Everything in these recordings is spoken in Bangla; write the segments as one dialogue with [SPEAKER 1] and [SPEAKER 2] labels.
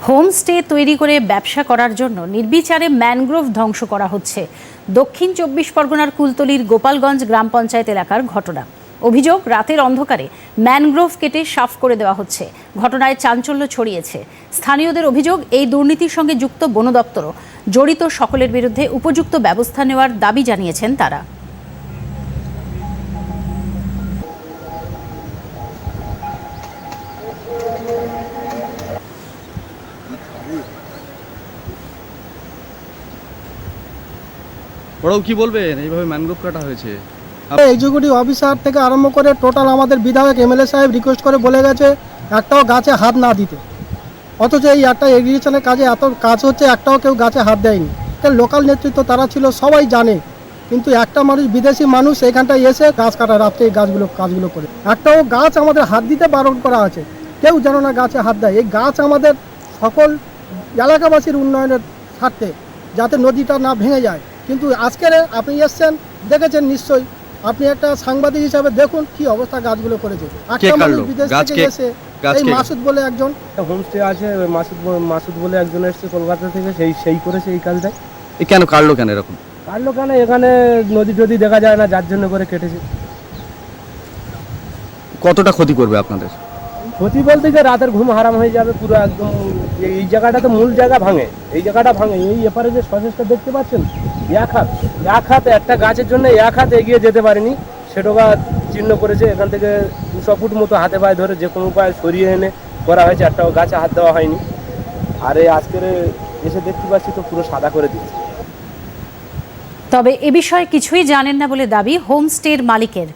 [SPEAKER 1] হোমস্টে তৈরি করে ব্যবসা করার জন্য নির্বিচারে ম্যানগ্রোভ ধ্বংস করা হচ্ছে। দক্ষিণ ২৪ পরগনার কুলতলির গোপালগঞ্জ গ্রাম পঞ্চায়েত এলাকার ঘটনা। অভিযোগ, রাতের অন্ধকারে ম্যানগ্রোভ কেটে সাফ করে দেওয়া হচ্ছে। ঘটনায় চাঞ্চল্য ছড়িয়েছে। স্থানীয়দের অভিযোগ, এই দুর্নীতির সঙ্গে যুক্ত বন দপ্তরও। জড়িত সকলের বিরুদ্ধে উপযুক্ত ব্যবস্থা নেওয়ার দাবি জানিয়েছেন তারা।
[SPEAKER 2] ওরাও কি বলবেন এইভাবে ম্যানগ্রোভ কাটা হয়েছে?
[SPEAKER 3] এক্সিকিউটিভ অফিসার থেকে আরম্ভ করে টোটাল আমাদের বিধায়ক এমএলএ সাহেব রিকোয়েস্ট করে বলে গেছে একটাও গাছে হাত না দিতে, অথচ এই একটা এগ্রিকালচারের কাজে এত কাজ হচ্ছে, একটাও কেউ গাছে হাত দেয়নি। লোকাল নেতৃত্ব তারা ছিল, সবাই জানে, কিন্তু একটা মানুষ, বিদেশি মানুষ এখানটায় এসে গাছ কাটা, রাত্রে এই কাজগুলো করে একটাও গাছ আমাদের হাত দিতে বারণ করা আছে। কেউ যেন না গাছে হাত দেয়। এই গাছ আমাদের সকল এলাকাবাসীর উন্নয়নের স্বার্থে, যাতে নদীটা না ভেঙে যায়। কিন্তু আজকের আপনি এসছেন, দেখেছেন নিশ্চয়ই, আপনি একটা সাংবাদিক হিসাবে দেখুন কি অবস্থা গাছগুলো করেছে। একটা মানুষ বিদেশ থেকে এসে, এই মাসুদ বলে একজন
[SPEAKER 4] হোমস্টে আছে, মাসুদ বলে একজন এসছে কলকাতা থেকে, সেই করেছে এই কাজটাই।
[SPEAKER 2] কেন কাটলো কেন এরকম?
[SPEAKER 4] কাটলো কেন, এখানে নদী টদী দেখা যায় না, যার জন্য করে কেটেছে।
[SPEAKER 2] কতটা ক্ষতি করবে আপনাদের?
[SPEAKER 4] ক্ষতি বলতে গিয়ে রাতের ঘুম হারাম হয়ে যাবে পুরো একদম। এই জায়গাটা তো মূল জায়গা ভাঙে, এই জায়গাটা ভাঙে। এই এপারে যে সচেষ্টা দেখতে পাচ্ছেন, এক হাত একটা গাছের জন্য এক হাত এগিয়ে যেতে পারেনি, সেটা চিহ্ন করেছে। এখান থেকে 200 ফুট মতো হাতে পায়ে ধরে যে কোনো উপায় সরিয়ে এনে করা হয়েছে, একটাও গাছে হাত দেওয়া হয়নি। আর এই আজকের এসে দেখতে পাচ্ছি তো পুরো সাদা করে দিয়েছে।
[SPEAKER 1] তবে এ বিষয়ে কিছুই জানেন না বলে দাবি হোমস্টের মালিকের।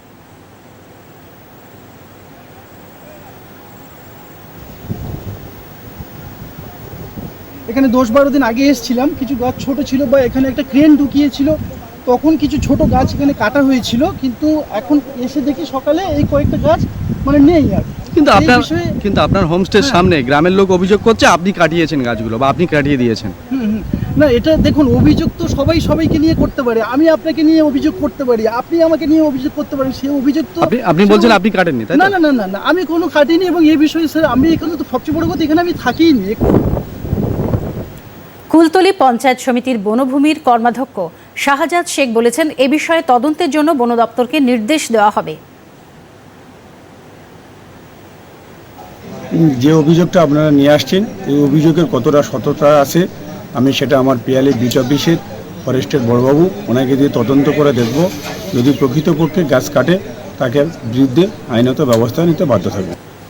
[SPEAKER 3] এখানে 10-12 দিন আগে এসেছিলাম, কিছু গাছ ছোট ছিল বা এখানে একটা ক্রেন ঢুকিয়েছিল, তখন কিছু ছোট গাছ এখানে কাটা হয়েছিল। কিন্তু এখন এসে দেখি সকালে এই কয়েকটা গাছ মানে নেই আর।
[SPEAKER 2] কিন্তু আপনার হোমস্টের সামনে গ্রামের লোক অভিযোগ করছে আপনি কাটিয়েছেন গাছগুলো, বা আপনি কাটিয়ে দিয়েছেন।
[SPEAKER 3] না, এটা দেখুন, অভিযোগ তো সবাইকে নিয়ে করতে পারে। আমি আপনাকে নিয়ে অভিযোগ করতে পারি, আপনি আমাকে নিয়ে অভিযোগ করতে পারেন। সেই অভিযোগ তো
[SPEAKER 2] আপনি বলছেন আপনি কাটেননি, তাই না?
[SPEAKER 3] না না না না, আমি কোনো কাটিনি। এবং এই বিষয়ে স্যার, আমি এখানে তো সবচেয়ে বড় কথা, এখানে আমি থাকিনি।
[SPEAKER 1] কুলতলি পঞ্চায়েত সমিতির বনভূমির কর্মাধ্যক্ষ শাহজাদ শেখ বলেছেন, এ বিষয়ে তদন্তের জন্য বন দপ্তরকে নির্দেশ দেওয়া হবে।
[SPEAKER 5] যে অভিযোগটা আপনারা নিয়ে আসছেন, এই অভিযোগের কতটা সততা আছে, আমি সেটা আমার পিয়ালি বিচ অফিসের ফরেস্টের বড়বাবু, ওনাকে দিয়ে তদন্ত করে দেখব। যদি প্রকৃতপক্ষে গাছ কাটে, তাকে বিরুদ্ধে আইনত ব্যবস্থা নিতে বাধ্য থাকবে।